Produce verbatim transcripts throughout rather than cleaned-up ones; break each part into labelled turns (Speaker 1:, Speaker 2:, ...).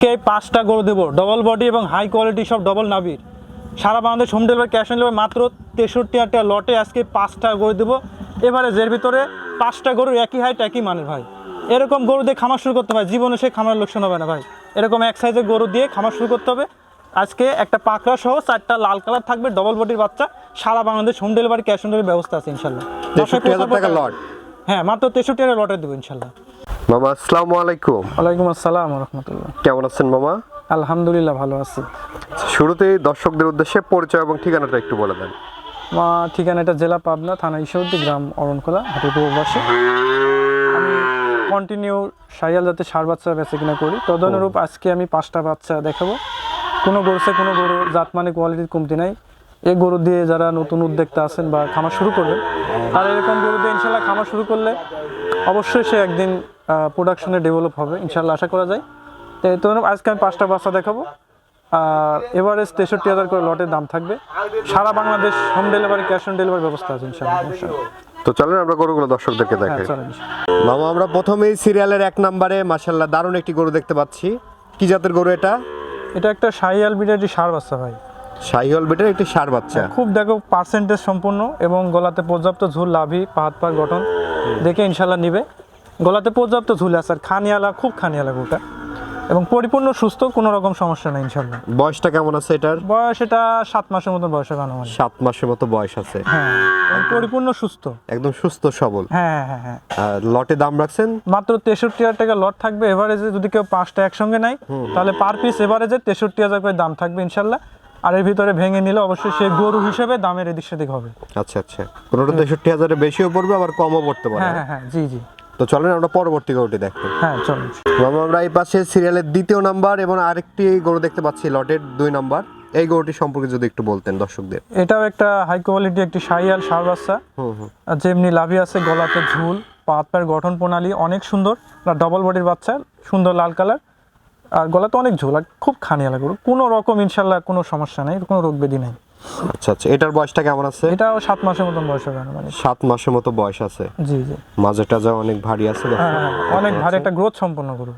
Speaker 1: কে পাঁচটা গরু দেবো ডবল বডি এবং হাই কোয়ালিটি সব ডবল নাভির সারা Bangladesh home delivery cash on delivery মাত্র তেষট্টি হাজার টাকা লটে আজকে পাঁচটা গরু দেবো এভারেজের ভিতরে পাঁচটা গরুর একই হাইট একই মানের ভাই এরকম গরু দিয়ে খামার শুরু করতে হয় জীবনে সে খামার লোকসান হবে না ভাই এরকম এক সাইজের গরু দিয়ে খামার শুরু করতে হবে আজকে একটা পাকড়া সহ চারটা লাল কালার থাকবে ডবল বডির বাচ্চা সারা Bangladesh home delivery cash on delivery ব্যবস্থা আছে ইনশাল্লাহ
Speaker 2: তেষট্টি হাজার টাকা লট
Speaker 1: হ্যাঁ মাত্র তেষট্টি হাজার লটে দেবো ইনশাল্লাহ।
Speaker 2: মামা আসসালামু আলাইকুম।
Speaker 1: ওয়ালাইকুম আসসালাম রহমতুল্লাহ।
Speaker 2: কেমন আছেন মামা?
Speaker 1: আলহামদুলিল্লাহ ভালো আছি।
Speaker 2: শুরুতেই দর্শকদের উদ্দেশ্যে পরিচয় এবং ঠিকানাটা একটু বলে দেন।
Speaker 1: মা ঠিকানাটা জেলা পাবনা থানা ঈশ্বরদী গ্রাম অরণখোলা হাটিপুরবাসী। আমি কন্টিনিউ সাইয়াল জাতের ষাঁড় বাচ্চা বেচে কিনা করি তদনুরূপ আজকে আমি পাঁচটা বাচ্চা দেখাবো। কোনো গরুতে কোনো গরু জাত মানে কোয়ালিটির কমতি নাই। এই গরু দিয়ে যারা নতুন উদ্যোক্তা আছেন বা খামার শুরু করবেন তারা এরকম গরু দিয়ে ইনশাল্লাহ খামার শুরু করলে অবশ্যই সে একদিন প্রোডাকশনে ডেভেলপ হবে ইনশাল্লাহ আশা করা যায়। তো আজকে আমি পাঁচটা বাচ্চা দেখাবো আর এভারেজ তেষট্টি হাজার করে লটের দাম থাকবে সারা Bangladesh home delivery cash on delivery ব্যবস্থা আছে ইনশাল্লাহ।
Speaker 2: তো চলেন আমরা গরুগুলো দর্শকদেরকে দেখাই। মামা আমরা প্রথমেই সিরিয়ালের এক নম্বরে মাশাআল্লাহ দারুণ একটি গরু দেখতে পাচ্ছি। কি জাতের গরু এটা?
Speaker 1: এটা একটা শাহিয়াল বিটের একটি ষাঁড় বাচ্চা ভাই।
Speaker 2: শাহিওয়াল বিটের একটি ষাঁড় বাচ্চা,
Speaker 1: খুব দেখো পার্সেন্টেজ সম্পূর্ণ এবং গলাতে পর্যাপ্ত ঝুল লাভি পাহাড় পাহাড় গঠন দেখে ইনশাল্লাহ নিবে। গলাতে পর্যাপ্ত ঝুল আছে আর খানিয়ালা খুব খানিয়ালা গরুটা এবং পরিপূর্ণ সুস্থ কোনো রকম সমস্যা নেই ইনশাল্লাহ।
Speaker 2: বয়সটা কেমন আছে এটার?
Speaker 1: বয়স এটা সাত মাসের মতো বয়স হবে আমার।
Speaker 2: সাত মাসের মতো বয়স আছে।
Speaker 1: হ্যাঁ পরিপূর্ণ সুস্থ
Speaker 2: একদম সুস্থ সবল।
Speaker 1: হ্যাঁ হ্যাঁ হ্যাঁ।
Speaker 2: লটে দাম রাখছেন
Speaker 1: মাত্র তেষট্টি হাজার টাকা লট থাকবে এভারেজে যদি কেউ পাঁচটা একসঙ্গে নেয় তাহলে পার পিস এভারেজে তেষট্টি হাজার করে দাম থাকবে ইনশাল্লাহ। আর এর ভিতরে ভেঙে নিলে অবশ্যই সে গরু হিসেবে দামের এদিক সেদিক হবে।
Speaker 2: আচ্ছা আচ্ছা, কোনোটা তেষট্টি হাজারের বেশিও পড়বে আবার কমও পড়তে পারে।
Speaker 1: হ্যাঁ হ্যাঁ জি জি।
Speaker 2: তো চলেন আমরা পরবর্তী গরুটি দেখি।
Speaker 1: হ্যাঁ চলুন
Speaker 2: মামা আমরা এই পাশে সিরিয়ালের দ্বিতীয় নাম্বার এবং আরেকটি গরু দেখতে পাচ্ছি লটের দুই নাম্বার। এই গরুটি সম্পর্কে যদি একটু বলতেন দর্শকদের।
Speaker 1: এটাও একটা হাই কোয়ালিটি একটি শাহিয়াল ষাঁড় বাচ্চা। আর যেমনি লাভি আছে গলাতে ঝুল পাত পায়ের গঠন প্রণালী অনেক সুন্দর। ডবল বডির বাচ্চা সুন্দর লাল কালার আর গলাতে অনেক ঝোল আর খুব খানিয়ালা গরু কোনো রকম ইনশাল্লাহ কোনো সমস্যা নেই কোনো রোগ ব্যাধি নেই।
Speaker 2: আচ্ছা আচ্ছা, এটার বয়সটা কেমন আছে?
Speaker 1: এটাও সাত মাসের মতন বয়স হবে মানে
Speaker 2: সাত মাসের মতো বয়স আছে।
Speaker 1: জি জি।
Speaker 2: মাঝেটা যা অনেক ভারী আছে।
Speaker 1: হ্যাঁ অনেক ভারী একটা গ্রোথ সম্পন্ন গরু।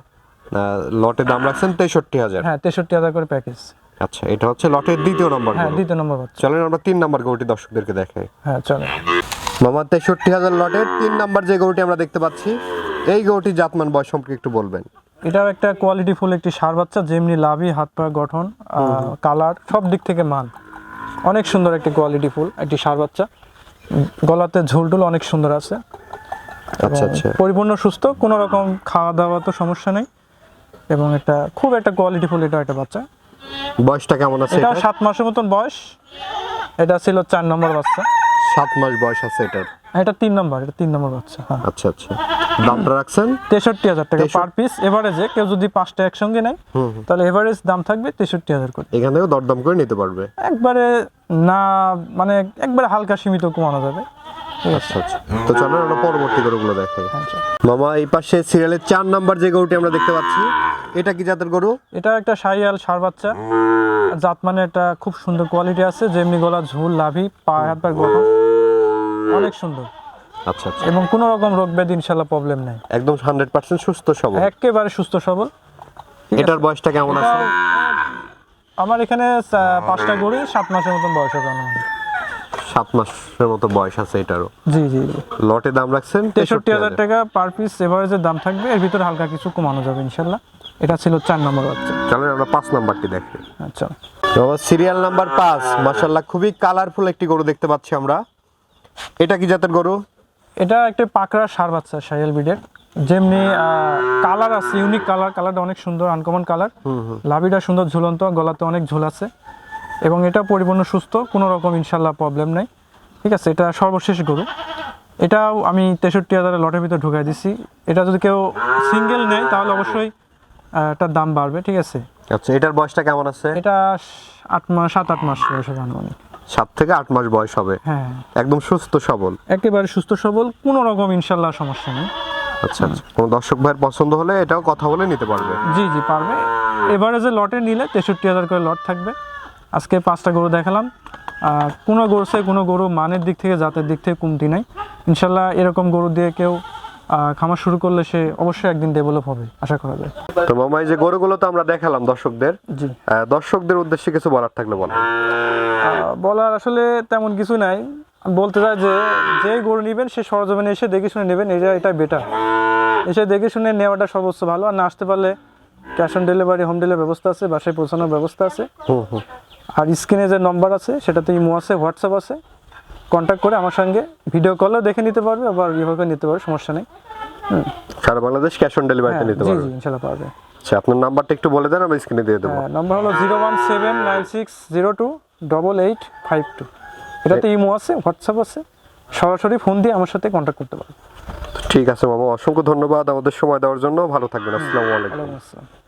Speaker 2: লটে দাম রাখছেন তেষট্টি হাজার।
Speaker 1: হ্যাঁ তেষট্টি হাজার করে প্যাকেজ।
Speaker 2: আচ্ছা এটা হচ্ছে লটের দ্বিতীয় নম্বর।
Speaker 1: হ্যাঁ দ্বিতীয় নম্বর বাচ্চা।
Speaker 2: চলেন আমরা তিন নম্বর গরুটি দর্শকদেরকে দেখাই।
Speaker 1: হ্যাঁ চলেন
Speaker 2: মামা তেষট্টি হাজার লটের তিন নম্বর যে গরুটি আমরা দেখতে পাচ্ছি এই গরুটি জাতমান বয়স সম্পর্কে একটু বলবেন।
Speaker 1: এটাও একটা কোয়ালিটি ফুল একটি ষাঁড় বাচ্চা যেমনি লাভি হাত পা গঠন কালার সব দিক থেকে মান অনেক সুন্দর একটি কোয়ালিটি ফুল একটি ষাঁড় বাচ্চা। গলাতে ঝোলটুল অনেক সুন্দর আছে।
Speaker 2: আচ্ছা আচ্ছা,
Speaker 1: পরিপূর্ণ সুস্থ কোনো রকম খাওয়া দাওয়া তো সমস্যা নেই এবং একটা খুব একটা কোয়ালিটি ফুল এটা একটা বাচ্চা।
Speaker 2: বয়সটা কেমন আছে?
Speaker 1: এটা সাত মাসের মতন বয়স। এটা ছিল চার নম্বর বাচ্চা।
Speaker 2: সাত মাস বয়স আছে এটার।
Speaker 1: এটা তিন নম্বর এটা তিন নম্বর বাচ্চা। হ্যাঁ
Speaker 2: আচ্ছা আচ্ছা, দামটা রাখছেন
Speaker 1: তেষট্টি হাজার টাকা পার পিস এভারেজে। কেউ যদি পাঁচটা একসঙ্গে নেয় তাহলে এভারেজ দাম থাকবে তেষট্টি হাজার করে।
Speaker 2: এখান থেকেও দরদাম করে নিতে পারবে
Speaker 1: একবারে না মানে একবারে হালকা সীমিত কমানো যাবে।
Speaker 2: আচ্ছা আচ্ছা, তো চলো আমরা পরবর্তী গরুগুলো দেখাই। মামা এই পাশে সিরিয়ালের চার নাম্বার যে গরুটি আমরা দেখতে পাচ্ছি এটা কি জাতের গরু?
Speaker 1: এটা একটা শাহিয়াল ষাঁড় বাচ্চা জাত মানে একটা খুব সুন্দর কোয়ালিটি আছে যেমনি গলা ঝুল লাভি পা হাত পা গঠন অনেক সুন্দর।
Speaker 2: আচ্ছা আচ্ছা,
Speaker 1: এবং কোনো রকম রোগ ব্যাধি ইনশাআল্লাহ প্রবলেম নাই।
Speaker 2: একদম হান্ড্রেড পার্সেন্ট সুস্থ সবল,
Speaker 1: একেবারে সুস্থ সবল।
Speaker 2: এটার বয়সটা কেমন আছে?
Speaker 1: আমার এখানে পাঁচটা গরু সাত মাসের মতন বয়স হবে।
Speaker 2: সাত মাসের মতো বয়স আছে এটারও।
Speaker 1: জি জি।
Speaker 2: লটে দাম রাখছেন
Speaker 1: তেষট্টি হাজার টাকা পার পিস এভারেজের দাম থাকবে এর ভিতরে হালকা কিছু কমানো যাবে ইনশাল্লাহ। এটা ছিল চার নম্বর বাচ্চা।
Speaker 2: চলেন আমরা পাঁচ নাম্বারটি দেখি।
Speaker 1: আচ্ছা
Speaker 2: সিরিয়াল নাম্বার পাঁচ মাশাআল্লাহ খুবই কালারফুল একটি গরু দেখতে পাচ্ছি আমরা। এটা কি জাতের গরু?
Speaker 1: এটা একটা পাকড়া ষাঁড় বাচ্চা শাহিয়াল ব্রিডের যেমনি কালার আছে ইউনিক কালার কালারটা অনেক সুন্দর আনকমন কালার। লাভিটা সুন্দর ঝুলন্ত গলাতে অনেক ঝুল আছে এবং এটা পরিপূর্ণ সুস্থ কোনো রকম ইনশাল্লাহ প্রবলেম নেই। ঠিক আছে, এটা সর্বশেষ গরু। এটাও আমি তেষট্টি হাজারের লটের ভিতরে ঢুকাই দিছি। এটা যদি কেউ সিঙ্গেল নেয় তাহলে অবশ্যই এটার দাম বাড়বে। ঠিক আছে।
Speaker 2: আচ্ছা এটার বয়সটা কেমন আছে?
Speaker 1: এটা আট মাস সাত আট মাস বয়স হবে আনুমানিক।
Speaker 2: সাত থেকে আট মাস বয়স হবে।
Speaker 1: হ্যাঁ
Speaker 2: একদম সুস্থ সবল,
Speaker 1: একেবারে সুস্থ সবল কোনো রকম ইনশাল্লাহ সমস্যা নেই।
Speaker 2: আচ্ছা আচ্ছা, কোনো দর্শক ভাইয়ের পছন্দ হলে এটাও কথা বলে নিতে পারবে।
Speaker 1: জি জি পারবে। এভারেজে লটে নিলে তেষট্টি হাজার করে লট থাকবে। আজকে পাঁচটা গরু দেখালাম। কোনো গরুতে কোনো গরু মানের দিক থেকে জাতের দিক থেকে কমতি নাই ইনশাল্লাহ। এরকম গরু দিয়ে কেউ আহ, খামার শুরু করলে সে অবশ্যই একদিন ডেভেলপ হবে আশা করা যায়।
Speaker 2: তো মামা এই যে গরুগুলো তো আমরা দেখালাম দর্শকদের,
Speaker 1: জি।
Speaker 2: আহ, দর্শকদের উদ্দেশ্যে কিছু বলার থাকলে বলেন।
Speaker 1: আহ, বলার আসলে তেমন কিছু নাই, বলতে চাই যে যেই গরু নেবেন সে সরজমিনে এসে দেখে শুনে নেবেন, এটা এটা বেটার। এসে দেখে শুনে নেওয়াটা সর্বোচ্চ ভালো। আর না আসতে পারলে cash on delivery, home delivery ব্যবস্থা আছে, বাসায় পৌঁছানোর ব্যবস্থা আছে।
Speaker 2: হুম হুম।
Speaker 1: আর স্ক্রিনে যে নম্বর আছে সেটাতে ইমো আছে, হোয়াটসঅ্যাপ আছে, কন্ট্যাক্ট করে আমার সঙ্গে ভিডিও কলেও দেখে নিতে পারবে, আবার ইভাবে নিতে পারবে, সমস্যা নেই। হুম।
Speaker 2: সারা বাংলাদেশ ক্যাশ অন ডেলিভারিতে
Speaker 1: হ্যাঁ,
Speaker 2: নিতে
Speaker 1: জি
Speaker 2: পারবে।
Speaker 1: জি ইনশাল্লাহ পারবে।
Speaker 2: আচ্ছা, আপনার নাম্বারটা একটু বলে দেন, আমি স্ক্রিনে দিয়ে দেবো।
Speaker 1: হ্যাঁ, নম্বর হলো zero one seven nine six zero two double eight five two. এটাতে ইমো আছে, হোয়াটসঅ্যাপ আছে, সরাসরি ফোন দিয়ে আমার সাথে কন্ট্যাক্ট করতে পারবে।
Speaker 2: ঠিক আছে মামা, অসংখ্য ধন্যবাদ আমাদের সময় দেওয়ার জন্য। ভালো থাকবেন। আসসালামু আলাইকুম।
Speaker 1: ওয়ালাইকুম আসসালাম।